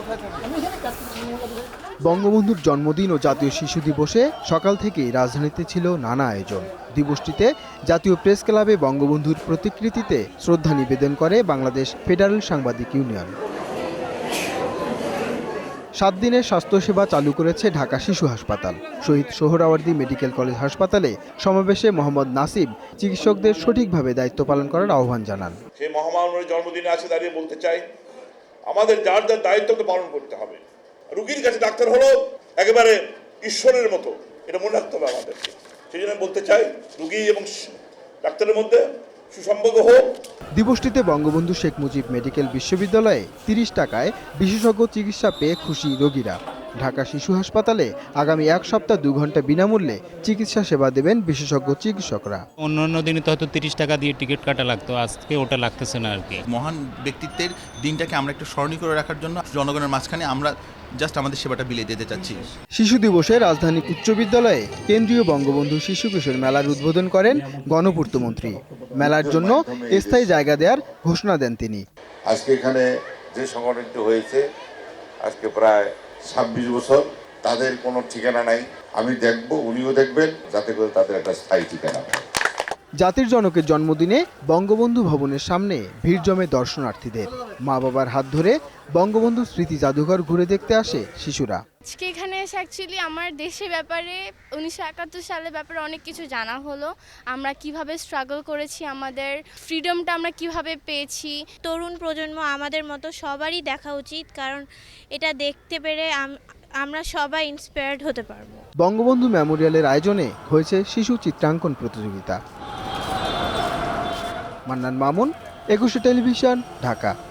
বঙ্গবন্ধুর জন্মদিন ও জাতীয় শিশু দিবসে সকাল থেকেই রাজধানীতে ছিল নানা আয়োজন। দিবসটিতে জাতীয় প্রেস ক্লাবে বঙ্গবন্ধুর প্রতিকৃতিতে শ্রদ্ধা নিবেদন করে বাংলাদেশ ফেডারেল সাংবাদিক ইউনিয়ন। 7 দিনের স্বাস্থ্যসেবা চালু করেছে ঢাকা শিশু হাসপাতাল। শহীদ সোহরাওয়ার্দী মেডিকেল কলেজ হাসপাতালে সমাবেশে মোহাম্মদ নাসিম চিকিৎসকদের সঠিকভাবে দায়িত্ব পালন করার আহ্বান জানান। সেই মহামানবের জন্মদিনে আসে দাঁড়িয়ে বলতে চাই, আমাদের যার যার দায়িত্বকে পালন করতে হবে। রোগীর কাছে ডাক্তার হলো একেবারে ঈশ্বরের মতো, এটা মনে রাখতে হবে আমাদেরকে। সেই জন্য বলতে চাই, রোগী এবং ডাক্তারের মধ্যে সুসম্পর্ক হোক। দিবসটিতে বঙ্গবন্ধু শেখ মুজিব মেডিকেল বিশ্ববিদ্যালয়ে 30 টাকায় বিশেষজ্ঞ চিকিৎসা পেয়ে খুশি রোগীরা। ঢাকা শিশু হাসপাতালে আগামী 1 সপ্তাহ 2 ঘন্টা বিনামূল্যে চিকিৎসা সেবা দেবেন বিশেষজ্ঞ চিকিৎসকরা। অন্যান্য দিনে তো হয়তো 30 টাকা দিয়ে টিকিট কাটা লাগতো, আজকে ওটা লাগতেছে না আর কি। মহান ব্যক্তিত্বের দিনটাকে আমরা একটু স্মরণীয় করে রাখার জন্য জনগণের মাঝখানে আমরা জাস্ট আমাদের সেবাটা বিলিয়ে দিতে চাচ্ছি। শিশু দিবসে রাজধানী উচ্চ বিদ্যালয়ে কেন্দ্রীয় বঙ্গবন্ধু শিশু কিশোর মেলার উদ্বোধন করেন গণপূর্তমন্ত্রী। মেলার জন্য স্থায়ী জায়গা দেওয়ার ঘোষণা দেন তিনি। আজকে এখানে যে সংগঠনটি হয়েছে আজকে প্রায় 26 বছর, তাদের কোনো ঠিকানা নাই। আমি দেখব, উনিও দেখবেন, যাতে করে তাদের একটা স্থায়ী ঠিকানা হয়। জাতির জনকের জন্মদিনে বঙ্গবন্ধু ভবনের সামনে ভিড় জমে দর্শনার্থীদের। মা বাবার হাত ধরে বঙ্গবন্ধু স্মৃতি জাদুঘর ঘুরে দেখতে আসে শিশুরা। আজকে এখানে এসে অ্যাকচুয়ালি আমার দেশের ব্যাপারে 1971 সালের ব্যাপারে অনেক কিছু জানা হলো। আমরা কিভাবে স্ট্রাগল করেছি, আমাদের ফ্রিডমটা আমরা কিভাবে পেয়েছি। তরুণ প্রজন্ম আমাদের মতো সবারই দেখা উচিত, কারণ এটা দেখতে পেরে আমরা সবাই ইন্সপায়ার্ড হতে পারবো। বঙ্গবন্ধু মেমোরিয়ালের আয়োজনে হয়েছে শিশু চিত্রাঙ্কন প্রতিযোগিতা। মান্নান মামুন, 21 টেলিভিশন, ঢাকা।